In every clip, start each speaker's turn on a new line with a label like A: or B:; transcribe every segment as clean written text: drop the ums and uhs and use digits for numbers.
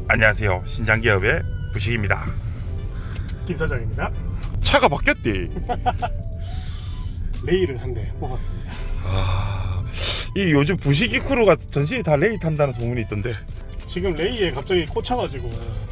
A: 안녕하세요. 신장기업의 부식입니다.
B: 김 사장입니다.
A: 차가 바뀌었대.
B: 레이를 한 대 뽑았습니다.
A: 이 요즘 부식이 크루가 전신이 다 레이 탄다는 소문이 있던데.
B: 지금 레이에 갑자기 꽂혀가지고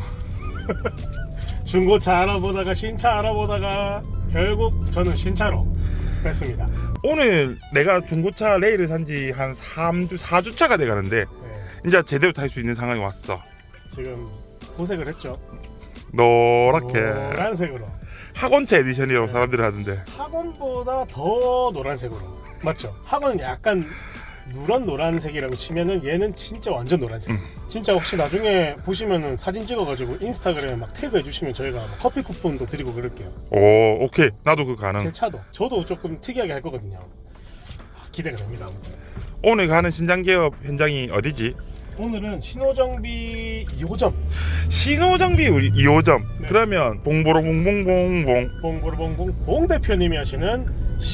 B: 중고차 알아보다가 신차 알아보다가 결국 저는 신차로 뺐습니다.
A: 오늘 내가 중고차 레이를 산지 한 4주차가 돼가는데
B: 네,
A: 이제 제대로 탈 수 있는 상황이 왔어.
B: 지금 도색을 했죠.
A: 노랗게
B: 노란색으로.
A: 학원차 에디션이라고 사람들이 하던데.
B: 학원보다 더 노란색으로. 맞죠? 학원은 약간 누런 노란색이라고 치면은 얘는 진짜 완전 노란색. 진짜 혹시 나중에 보시면은 사진 찍어가지고 인스타그램에 막 태그해 주시면 저희가 뭐 커피 쿠폰도 드리고 그럴게요.
A: 오, 오케이. 나도 그 가능.
B: 제 차도 저도 조금 특이하게 할 거거든요. 기대가 됩니다. 아무튼.
A: 오늘 가는 신장기업 현장이 어디지?
B: 오늘은 신호정비 2호점
A: 신호정비 2호점.
B: 네.
A: 그러면 봉보로봉봉봉봉.
B: 봉보르봉봉 봉 대표님이 하시는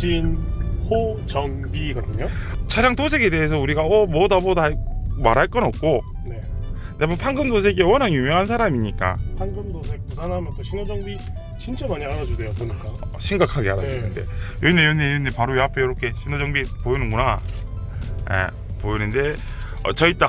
B: 신호정비거든요.
A: 차량 도색에 대해서 우리가 뭐다 말할 건 없고,
B: 네.
A: 내가 판금 도색이 워낙 유명한 사람이니까
B: 황금도색 부산하면 또 신호정비 진짜 많이 알아주대요 보니까.
A: 심각하게 알아주는데. 여기네 바로 요 앞에 이렇게 신호정비 보이는구나. 예, 보이는데 저 있다.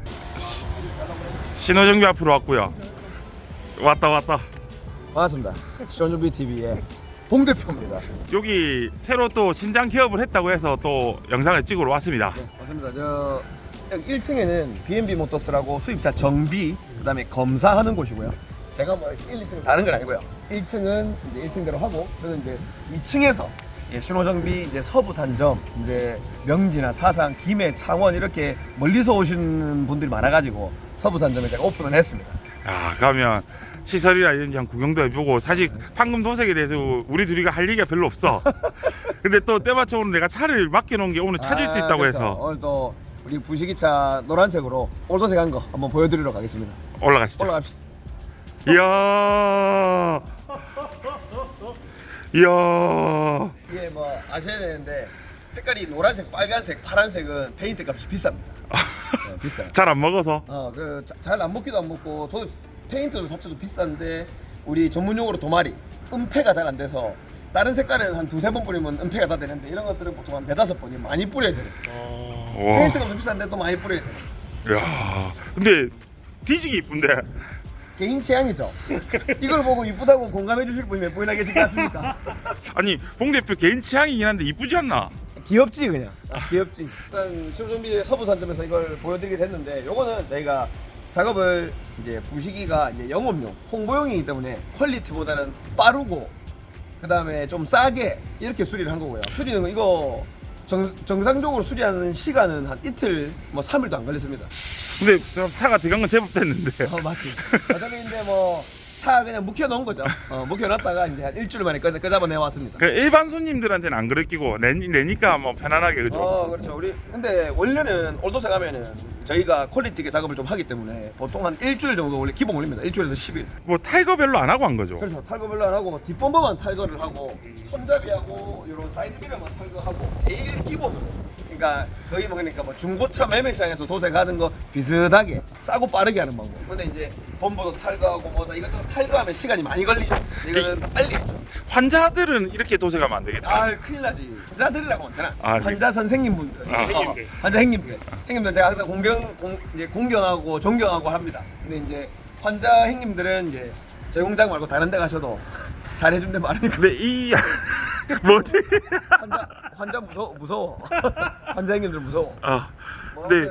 A: 신호정비 앞으로 왔고요. 왔다.
C: 반갑습니다. 신호정비 TV의 봉 대표입니다.
A: 여기 새로 또 신장 개업을 했다고 해서 또 영상을 찍으러 왔습니다.
C: 네, 맞습니다. 저 여기 1층에는 B&B 모터스라고 수입차 정비, 그다음에 검사하는 곳이고요. 제가 뭐 1, 2층 다른 건 아니고요. 1층은 이제 1층대로 하고, 그리고 이제 2층에서 신호정비 이제 서부산점, 이제 명지나 사상, 김해, 창원 이렇게 멀리서 오시는 분들이 많아가지고 서부산점에 제가 오픈을 했습니다.
A: 야, 가면 시설이나 이런 한 구경도 해보고. 사실 판금 도색에 대해서 우리 둘이가 할 얘기가 별로 없어. 근데 또 때마침 오늘 내가 차를 맡겨놓은 게 오늘 찾을 수 있다고
C: 그렇죠.
A: 해서
C: 오늘 또 우리 부식이차 노란색으로 올도색한 거 한번 보여드리러 가겠습니다.
A: 올라가시죠.
C: 올라갑시다.
A: 이야,
C: 이게 뭐 아셔야 되는데 색깔이 노란색, 빨간색, 파란색은 페인트 값이 비쌉니다. 네, 비싸요.
A: 잘 안 먹어서.
C: 그 잘 안 먹기도 안 먹고 도 페인트 자체도 비싼데 우리 전문용어로 도마리 은폐가 잘 안 돼서 다른 색깔은 한 두세 번 뿌리면 은폐가 다 되는데 이런 것들은 보통 한 네다섯 번이 많이 뿌려야 돼요.
A: 와,
C: 페인트 값도 비싼데 또 많이 뿌려야 돼요.
A: 야, 근데 뒤지기 이쁜데.
C: 개인 취향이죠. 이걸 보고 이쁘다고 공감해 주실 분이 몇 분이나 계실 것 같습니까?
A: 아니 봉 대표 개인 취향이긴 한데 이쁘지 않나?
C: 귀엽지 그냥. 귀엽지. 일단 신호정비 서부산점에서 이걸 보여드리게 됐는데, 요거는 저희가 작업을 이제 부식이가 이제 영업용, 홍보용이기 때문에 퀄리티보다는 빠르고 그 다음에 좀 싸게 이렇게 수리를 한 거고요. 수리는 이거 정상적으로 수리하는 시간은 한 이틀, 뭐 3일도 안 걸렸습니다.
A: 근데 차가 들어간 건 제법 됐는데.
C: 맞지. 어차피 뭐 차 그냥 묵혀놓은 거죠. 묵혀놨다가 이제 한 일주일 만에 끄잡아내 왔습니다.
A: 그 일반 손님들한테는 안 그랬기고 내니까 뭐 편안하게, 그죠?
C: 그렇죠. 우리 근데 원래는 올도색 하면은 저희가 퀄리티 있게 작업을 좀 하기 때문에 보통 한 일주일 정도 원래 기본 올립니다. 일주일에서 10일.
A: 뭐 타이거 별로 안 하고 한 거죠.
C: 그렇죠. 탈거별로 안 하고 뒷범버만 탈거를 하고 손잡이하고 이런 사이드 미러만 탈거하고 제일 기본으로. 그러니까 거의 뭐 그러니까 뭐 중고차 매매 시장에서 도색하는 거 비슷하게 싸고 빠르게 하는 방법. 근데 이제 범버도 탈거하고 뭐다 이것저것 탈거하면 시간이 많이 걸리죠. 이거는 빨리 했죠.
A: 환자들은 이렇게 도색하면 안 되겠다.
C: 아 큰일 나지. 환자들이라고 하면 되나?
A: 아,
C: 환자 선생님분들,
B: 행님들.
C: 환자 행님들 제가 항상 공경하고 존경하고 합니다. 근데 이제 환자 행님들은 이제 제 공장 말고 다른 데 가셔도 잘해준 데 많으니까.
A: 근데 이 뭐지?
C: 환자 무서워. 환자 행님들 무서워. 뭐
A: 네.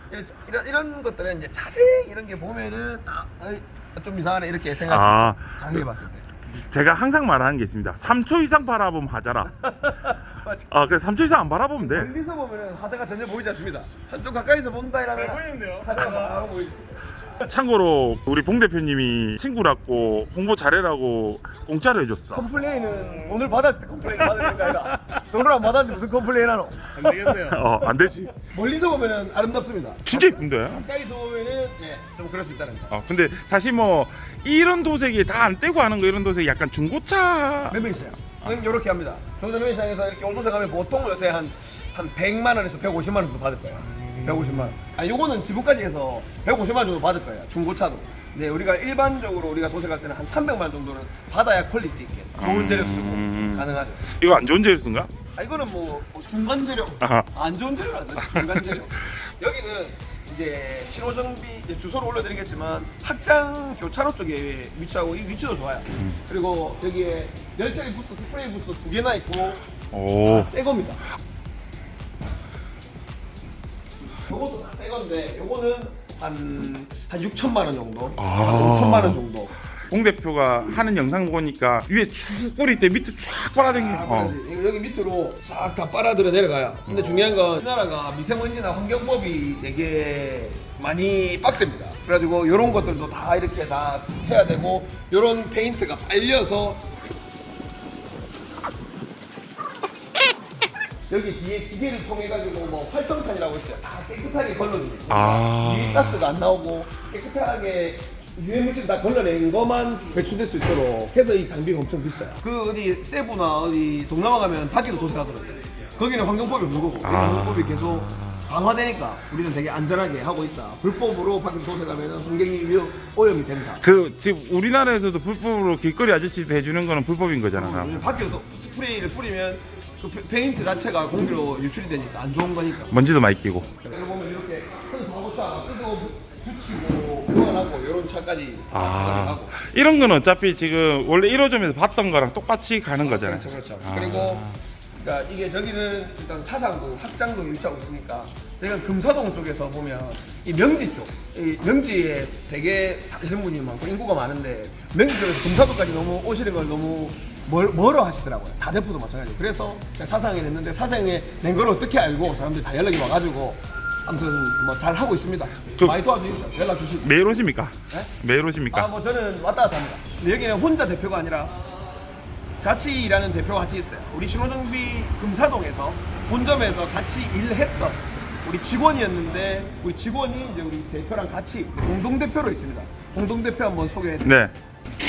C: 이런 것들은 이제 자세히 이런 게 보면은 좀 이상하네 이렇게 생각할 수 있죠. 자세히 봤을 때.
A: 제가 항상 말하는 게 있습니다. 3초 이상 바라보면 하자라. 그래서 3초 이상 안 바라보면 돼.
C: 멀리서 보면은 하자가 전혀 보이지 않습니다. 한쪽 가까이서 본다 이러면
B: 잘 보이는데요?
C: 하자가 바로 보이죠.
A: 참고로 우리 봉 대표님이 친구라고 홍보 잘해라고 공짜로 해줬어.
C: 컴플레인은 돈을 받았을 때 컴플레인 받을 거 아니라 돈을 안 받았는데 무슨 컴플레인 하노?
B: 안 되겠네요.
A: 안 되지.
C: 멀리서 보면은 아름답습니다.
A: 진짜 이쁜데.
C: 가까이서 보면은 좀 그럴 수 있다는 거.
A: 근데 사실 뭐 이런 도색이 다 안 떼고 하는 거, 이런 도색이 약간 중고차.
C: 매매시장. 이렇게 합니다. 종전 매매시장에서 이렇게 올도색 하면 보통 요새 한 100만 원에서 150만 원 정도 받을 거예요. 150만 원. 요거는 지붕까지 해서 150만 원 정도 받을 거예요. 중고차도. 네, 우리가 일반적으로 우리가 도색할 때는 한 300만 정도는 받아야 퀄리티 있게 좋은 재료 쓰고 가능하죠.
A: 이거 안 좋은 재료 쓴가?
C: 아, 이거는 뭐 중간 재료,
A: 아하.
C: 안 좋은 재료는 안 써요. 중간 재료. 여기는 이제 신호정비 이제 주소를 올려드리겠지만 학장 교차로 쪽에 위치하고 이 위치도 좋아요. 그리고 여기에 열처리 부스, 스프레이 부스 2개나 있고
A: 오.
C: 새 겁니다. 요것도 다 새 건데 요거는 한 6천만 원 정도,
A: 아.
C: 한 5천만 원 정도.
A: 공 대표가 하는 영상 보니까 위에 쭉 뿌릴 때 밑에 쫙 빨아당기는
C: 이거 여기 밑으로 싹 다 빨아들여 내려가요. 근데 중요한 건 우리나라가 미세먼지나 환경법이 되게 많이 빡셉니다. 그래가지고 이런 것들도 다 이렇게 다 해야 되고 이런 페인트가 빨려서 여기 뒤에 기계를 통해 가지고 뭐 활성탄이라고 있어요. 다 깨끗하게 걸러줍니다.
A: 아.
C: 유해 가스가 안 나오고 깨끗하게 유해 물질 다 걸러낸 것만 배출될 수 있도록 해서 이 장비가 엄청 비싸요. 그 어디 세부나 어디 동남아 가면 밖에서 도색하더라고요. 거기는 환경법이 없는 거고 우리 환경법이 계속 강화되니까 우리는 되게 안전하게 하고 있다. 불법으로 밖에서 도색하면 환경이 오염이 된다.
A: 그 지금 우리나라에서도 불법으로 길거리 아저씨 해주는 거는 불법인 거잖아.
C: 왜냐면 밖에서 스프레이를 뿌리면 그 페인트 자체가 공기로 유출이 되니까 안 좋은 거니까.
A: 먼지도 많이 끼고.
C: 여기 보면 이렇게 선수하고차 뜯어 붙이고 교환하고 이런 차까지 하고.
A: 이런 건 어차피 지금 원래 1호점에서 봤던 거랑 똑같이 가는 거잖아요.
C: 그렇죠. 그리고 그러니까 이게 저기는 일단 사상구, 학장동에 위치하고 있으니까 저희가 금사동 쪽에서 보면 이 명지 쪽, 이 명지에 되게 사시는 분이 많고 인구가 많은데 명지 쪽에서 금사동까지 너무 오시는 걸 너무 멀어 하시더라고요. 다대포도 마찬가지고. 그래서 사상에 냈는데 사상에 낸 걸 어떻게 알고 사람들이 다 연락이 와가지고 아무튼 뭐 잘 하고 있습니다. 많이 도와주십시오. 연락 주시고.
A: 매일 오십니까?
C: 네?
A: 매일 오십니까?
C: 뭐 저는 왔다 갔다 합니다. 근데 여기는 혼자 대표가 아니라 같이 일하는 대표가 같이 있어요. 우리 신호정비 금사동에서 본점에서 같이 일했던 우리 직원이었는데 우리 직원이 이제 우리 대표랑 같이 공동대표로 있습니다. 공동대표 한번 소개해드릴게요.
A: 네.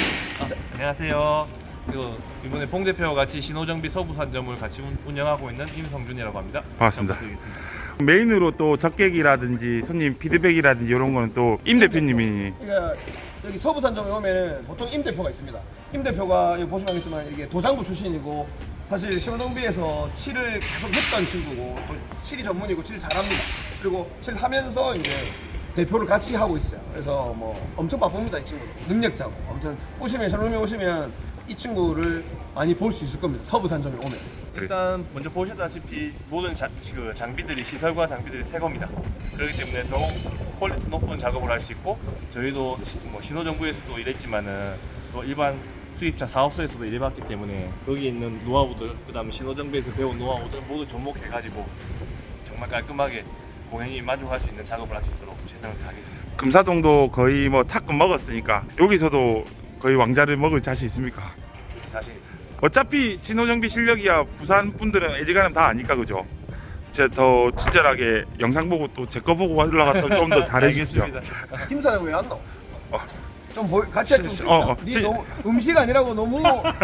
D: 안녕하세요. 이번에 봉 대표와 같이 신호정비 서부산점을 같이 운영하고 있는 임성준이라고 합니다.
A: 반갑습니다.
D: 잘 부탁드리겠습니다.
A: 메인으로 또 적객이라든지 손님 피드백이라든지 이런 거는 또 임 대표님이
C: 그러니까 여기 서부산점에 오면은 보통 임 대표가 있습니다. 임 대표가 여기 보시면 알겠지만 이게 도장부 출신이고 사실 신호정비에서 칠을 계속 했던 친구고 또 칠이 전문이고 칠 잘합니다. 그리고 칠하면서 이제 대표를 같이 하고 있어요. 그래서 뭐 엄청 바쁩니다. 이 친구도 능력자고. 아무튼 신호정비 오시면 이 친구를 많이 볼 수 있을 겁니다. 서부산점에 오면.
D: 일단 먼저 보셨다시피 모든 장비들이 시설과 장비들이 새 겁니다. 그렇기 때문에 더욱 퀄리티 높은 작업을 할 수 있고 저희도 신호정부에서도 일했지만은 또 일반 수입차 사업소에서도 일해봤기 때문에 여기 있는 노하우들 그다음에 신호정비에서 배운 노하우들 모두 접목해가지고 정말 깔끔하게 고객님이 만족할 수 있는 작업을 할 수 있도록 최선을 다하겠습니다.
A: 금사동도 거의 뭐 탁금 먹었으니까 여기서도 거의 왕자를 먹을 자신 있습니까?
D: 자신 있습니다.
A: 어차피 신호정비 실력이야 부산 분들은 애지간하면 다 아니까 그죠? 제가 더 친절하게 영상 보고 또 제 거 보고 올라갔다 좀 더 잘해주시죠.
D: 알겠습니다.
C: 김 사장 왜 안 나와? 좀 같이 할좀 네 너무 음식 아니라고 너무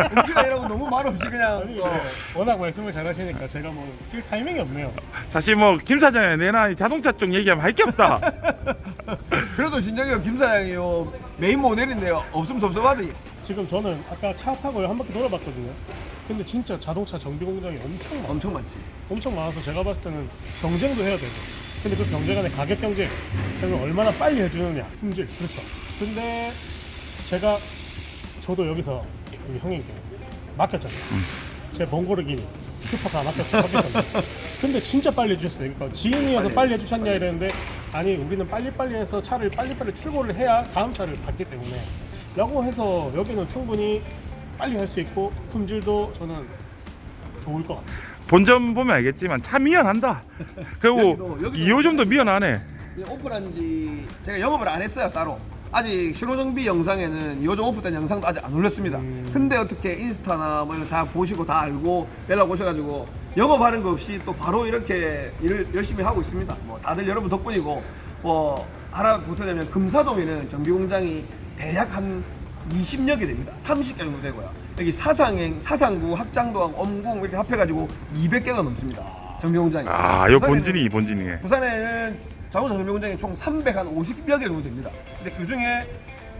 C: 말없이 그냥
B: 워낙 말씀을 잘하시니까 제가 뭐 뛸 타이밍이 없네요.
A: 사실 뭐 김 사장이 내나 자동차 쪽 얘기하면 할 게 없다.
C: 그래도 진정해요. 김 사장이요 메인 모델인데요. 없으면 섭섭하지.
B: 지금 저는 아까 차 타고 한 바퀴 돌아봤거든요. 근데 진짜 자동차 정비 공장이 엄청 많아요.
C: 엄청 많지.
B: 엄청 많아서 제가 봤을 때는 경쟁도 해야 되고 근데 그 경쟁 안에 가격 경쟁 그리고 얼마나 빨리 해주느냐 품질 그렇죠. 근데 저도 여기서 우리 형님께 맡겼잖아요. 제 번거르기 슈퍼카 맡겼잖아요. 근데 진짜 빨리 해주셨어요. 그러니까 지인이어서 빨리 해주셨냐 이랬는데 아니 우리는 빨리빨리 해서 차를 빨리빨리 출고를 해야 다음 차를 받기 때문에 라고 해서 여기는 충분히 빨리 할 수 있고 품질도 저는 좋을 것 같아요.
A: 본점 보면 알겠지만 차 미연한다. 그리고
C: 여기도
A: 2호점도 미연하네.
C: 오픈한 지 제가 영업을 안 했어요 따로. 아직 신호정비 영상에는 2호점 오픈된 영상도 아직 안 올렸습니다. 근데 어떻게 인스타나 뭐 이런 잘 보시고 다 알고 연락 오셔가지고 영업하는 거 없이 또 바로 이렇게 일을 열심히 하고 있습니다. 뭐 다들 여러분 덕분이고 뭐 하나 보태자면 금사동에는 정비 공장이 대략 한 20여 개 됩니다. 30개 정도 되고요. 여기 사상구, 학장도항, 엄궁 이렇게 합해가지고 200개가 넘습니다. 정비 공장이.
A: 아, 요 본진이 이 본진이네.
C: 부산에는 자동차 정비 공장이 총 350여 개 정도 됩니다. 근데 그 중에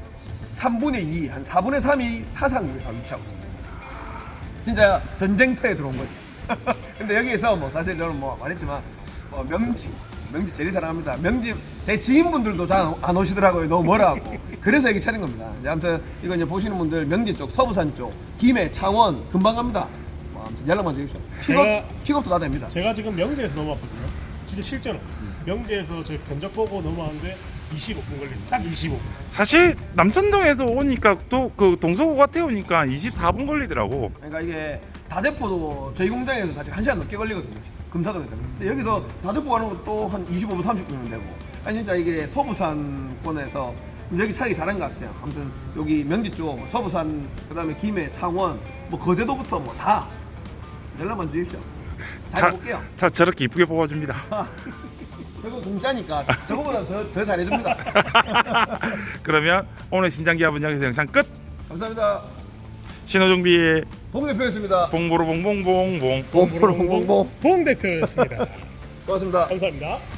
C: 3분의 2, 한 4분의 3이 사상구에 위치하고 있습니다. 진짜 전쟁터에 들어온 거죠. 근데 여기에서 뭐 사실 저는 뭐 말했지만 명지 제일 사랑합니다. 명지 제 지인분들도 잘 안 오시더라고요. 너무 멀어갖고. 그래서 여기 차린 겁니다. 이제 아무튼 이거 이제 보시는 분들 명지 쪽, 서부산 쪽, 김해, 창원 금방 갑니다. 뭐 아무튼 연락만 주십시오. 픽업도 다 됩니다.
B: 제가 지금 명제에서 넘어왔거든요. 진짜 실제로 명제에서 저희 견적 보고 넘어왔는데 25분 걸립니다. 딱 25분.
A: 사실 남천동에서 오니까 또 그 동서고가 태우니까 24분 걸리더라고.
C: 그러니까 이게 다대포도 저희 공장에서 사실 1시간 넘게 걸리거든요. 금사동에서는. 근데 여기서 다대포 가는 것도 한 25분, 30분이면 되고. 아니 진짜 이게 서부산권에서 여기 차리기 잘한 것 같아요. 아무튼 여기 명지 쪽, 서부산, 그다음에 김해, 창원, 뭐 거제도부터 뭐 다 연락만 주십시오. 잘 볼게요.
A: 차 저렇게 이쁘게 뽑아줍니다.
C: 저거 공짜니까 저거보다 더 잘해줍니다.
A: 그러면 오늘 신장기합은 여기서 영상 끝.
C: 감사합니다.
A: 신호정비의
C: 봉 대표였습니다.
A: 봉보로 봉봉봉봉.
C: 봉봉봉봉.
B: 봉 대표였습니다.
C: 고맙습니다.
B: 감사합니다.